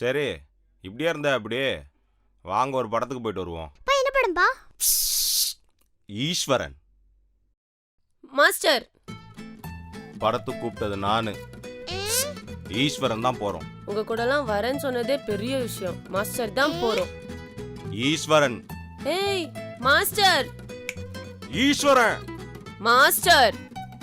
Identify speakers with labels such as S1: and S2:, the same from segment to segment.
S1: சரி, இப்படியே இருந்தா அப்படியே வாங்க ஒரு படத்துக்கு போயிட்டு வருவோம்.
S2: என்ன படம்பா?
S1: ஈஸ்வரன்.
S3: மாஸ்டர்,
S1: படத்துக்கு கூப்பிட்டது நானு. ஈஸ்வரன் தான் போறோம்.
S3: உங்க கூடலாம் வரேன்னு சொன்னதே பெரிய விஷயம். மாஸ்டர் தான் போறோம்.
S1: ஈஸ்வரன்.
S3: ஏய் மாஸ்டர்,
S1: ஈஸ்வரன்.
S3: மாஸ்டர்.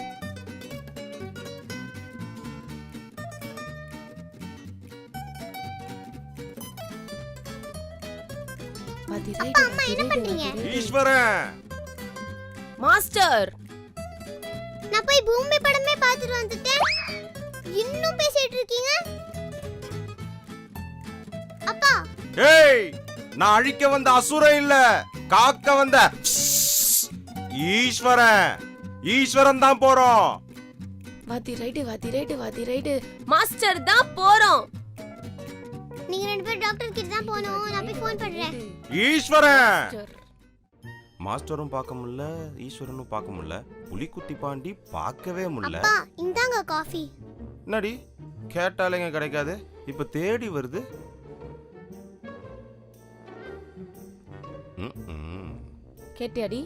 S2: அப்பா அம்மா என்ன பண்றீங்க?
S1: ஈஸ்வரன்.
S3: மாஸ்டர்,
S2: நான் போய் பூமி படமே பார்த்துட்டு வந்துட்டேன். இன்னும் பேசிட்டு இருக்கீங்க? அப்பா.
S1: ஏய், நான் அழிக்க வந்த அசுரன் இல்ல, காக்க வந்த ஈஸ்வரன். ஈஸ்வரன் தான் போறோம்.
S3: வாத்தி ரைட்டு. மாஸ்டர் தான் போறோம்.
S2: நீங்க ரெண்டு பேரும் டாக்டர் கிட்ட தான் போணும். நான் போய் ஃபோன் பண்றேன்.
S1: ஈஸ்வரன். மாஸ்டரும் பார்க்க முடியல, ஈஸ்வரனும் பார்க்க முடியல, புலிக்குட்டி பாண்டி பார்க்கவே முடியல.
S2: அப்பா இந்தாங்க காஃபி.
S1: என்னடி கேட்டாலேங்க கிடைக்காது, இப்ப தேடி வருது.
S3: கேட்டியாடி?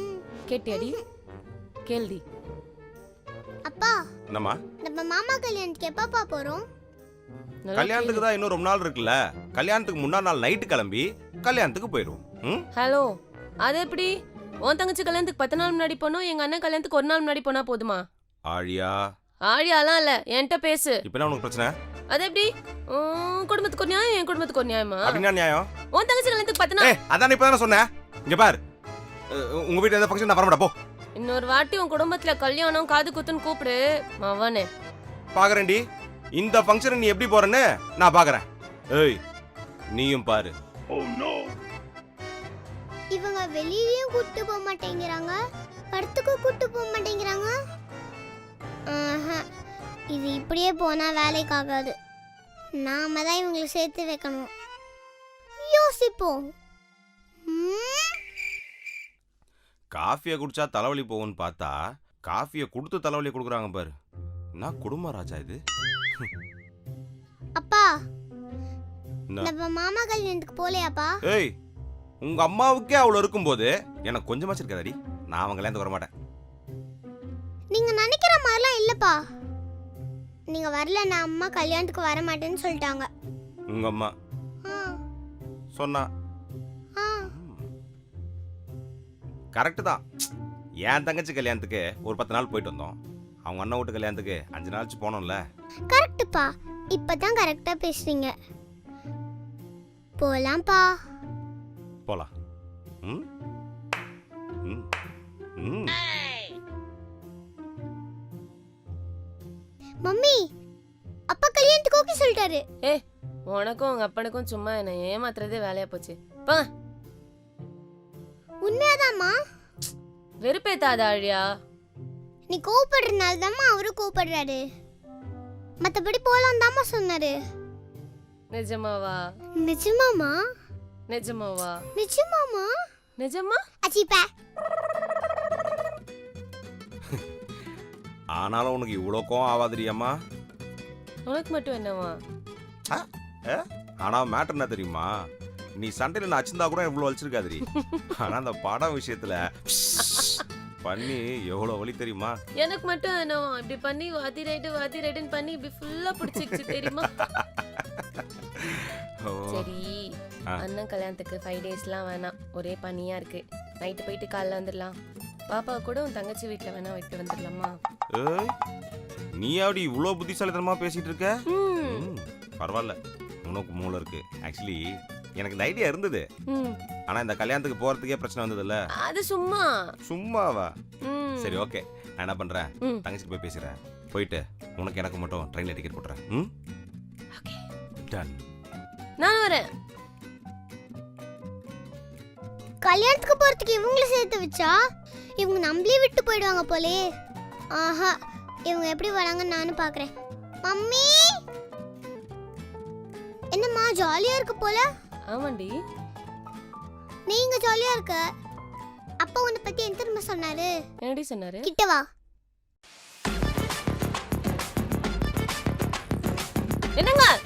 S3: கேள்டி.
S2: அப்பா,
S1: என்னம்மா?
S2: நம்ம மாமா கல்யாணத்துக்கு எப்பப்பா போறோம்?
S1: கல்யாணத்துக்கு தான் இன்னும் ரொம்ப நாள் இருக்குல்ல. கல்யாணத்துக்கு முன்னாள் நாள் நைட்டு கிளம்பி கல்யாணத்துக்கு போயிடுவோம்.
S3: ஹலோ, அது எப்படி? உன் தங்கச்சி கல்யாணத்துக்கு 10 நாள் முன்னாடி போனோம், எங்க அண்ணன் கல்யாணத்துக்கு 1 நாள் முன்னாடி போனா போதுமா?
S1: ஆழியாலாம்
S3: இல்ல, என்கிட்ட பேசு.
S1: இப்ப என்ன உனக்கு பிரச்சனை?
S3: அது எப்படி? குடும்பத்துக்கு ஒரு நியாயம், என் குடும்பத்துக்கு ஒரு நியாயமா?
S1: அப்படின்னா நியாயம்.
S3: உன் தங்கச்சி கல்யாணத்துக்கு 10 நாள்.
S1: அதான் இப்ப தானே சொன்னேன். இங்க பாரு, உங்க வீட்டுல எந்த ஃபங்க்ஷன் நான் வரமாட்டா போ.
S3: இன்னொரு வாட்டி உன் குடும்பத்துல கல்யாணம் காது குத்துன்னு கூப்பிடு மவனே.
S1: பாக்குறேன்டி, இந்த ஃபங்க்ஷன் நீ எப்படி போறன்னு நான் பாக்குறேன். ஏய், நீயும் பாரு.
S2: இவங்க வெளியவும் கூட்டி போக மாட்டேங்கிறாங்க, படத்துக்கு கூட்டி போக மாட்டேங்கிறாங்க. இது இப்படியே போனா வேலைக்கு ஆகாது. நாம தான் இவங்களை சேர்த்து வைக்கணும். யோசிப்போம்.
S1: காஃபியை குடிச்சா தலைவலி போகும்னு பார்த்தா காஃபியை கொடுத்து தலைவலி கொடுக்குறாங்க பாரு. நான் குடும்ப ராஜா இது.
S2: அப்பா, நம்ம மாமா கல்யாணத்துக்கு போலையாப்பா?
S1: ஏய், உங்க அம்மாவுக்கே அவ்வளவு இருக்கும்போது எனக்கு கொஞ்சமாச்சு இருக்காதடி. நான் அவங்க கல்யாணத்துக்கு வர மாட்டேன்.
S2: நீங்க நினைக்கிற மாதிரிலாம் இல்லப்பா. நீங்க வரல, நான் அம்மா கல்யாணத்துக்கு வர மாட்டேன்னு சொல்லிட்டாங்க.
S1: உங்க அம்மா சொன்னா கரெக்ட் தான். என் தங்கச்சி கல்யாணத்துக்கு ஒரு 10 நாள் போயிட்டு வந்தோம். அவங்க அண்ணன் வீட்டு கல்யாணத்துக்கு 5 நாள் போனோம்ல.
S2: கரெக்ட்ப்பா, இப்பதான் கரெக்டா பேசுறீங்க. போலாம்ப்பா.
S1: போலாம்.
S2: மம்மி, அப்பா கல்யாணத்துக்கு ஓகே சொல்லிட்டாரு.
S3: உனக்கும் உங்க அப்பனுக்கும் சும்மா என்ன ஏமாத்துறதே வேலையா போச்சு. போங்க.
S2: உண்மையாதாம்மா?
S3: வெறுப்பேத்தாத ஆழியா.
S2: நீ கோவப்படுறதுனால தாம்மா அவரு கோவப்படுறாரு. மத்தபடி போலாம் தாம்மா சொன்னாரு.
S3: நிஜமாவா?
S2: நிஜமாமா?
S3: நிஜமாவா?
S2: நிஜமாமா?
S3: நிஜமா?
S2: அச்சிப்பா.
S1: ஆனாலும் உனக்கு இவ்வளோ கோவம் ஆகாதுரியம்மா.
S3: உனக்கு மட்டும் என்னவா?
S1: ஆனா மேட்டர் என்ன தெரியுமா? நீ சண்டையில நான் அச்சிருந்தா கூட இவ்வளவு வலிச்சிருக்காதுரி. ஆனா அந்த படம் விஷயத்துல பண்ணி எவ்வளவு வலி தெரியுமா?
S3: எனக்கு மட்டும் என்னவா? இப்படி பண்ணி வாதி ரைட்டுன்னு பண்ணி இப்படி ஃபுல்லா பிடிச்சிருச்சு தெரியுமா? சரி, அண்ணன் கல்யாணத்துக்கு 5 டேஸ்லாம் வேணாம். ஒரே பனியா இருக்கு. நைட்டு போயிட்டு காலைல வந்துடலாம். பாப்பா கூட உன் தங்கச்சி வீட்டுல வேணா விட்டு வந்துடலாமா?
S1: ஏய், நீ அப்படி இவ்வளவு புத்திசாலித்தனமா பேசிட்டு இருக்க? பரவாயில்ல, உனக்கு மூளை இருக்கு. ஆக்சுவலி எனக்கு இந்த ஐடியா இருந்தது. ஆனா இந்த கல்யாணத்துக்கு போறதுக்கே பிரச்சனை வந்ததுல்ல.
S3: அது சும்மாவா?
S1: சரி, ஓகே. நான் என்ன பண்றேன், தங்கச்சி போய் பேசுறேன். போயிட்டு உனக்கு எனக்கு மட்டும் ட்ரெயின்ல டிக்கெட் போட்டுறேன்.
S3: Okay,
S1: done.
S3: நான் வரேன்.
S2: கல்யாணத்துக்கு போறதுக்கு இவங்களை சேர்த்து வச்சா இவங்க நம்மளே விட்டு போயிடுவாங்க போலே. ஆஹா, இவங்க எப்படி வராங்கன்னு நானும் பாக்குறேன். மம்மி, என்னம்மா ஜாலியா இருக்கு போல?
S3: ஆமாண்டி.
S2: நீங்க ஜாலியா இருக்க. அப்பா உன்னை பத்தி என்ன தெரியுமா சொன்னாரு?
S3: என்னடி சொன்னாரு?
S2: கிட்ட வா.
S3: என்னங்க?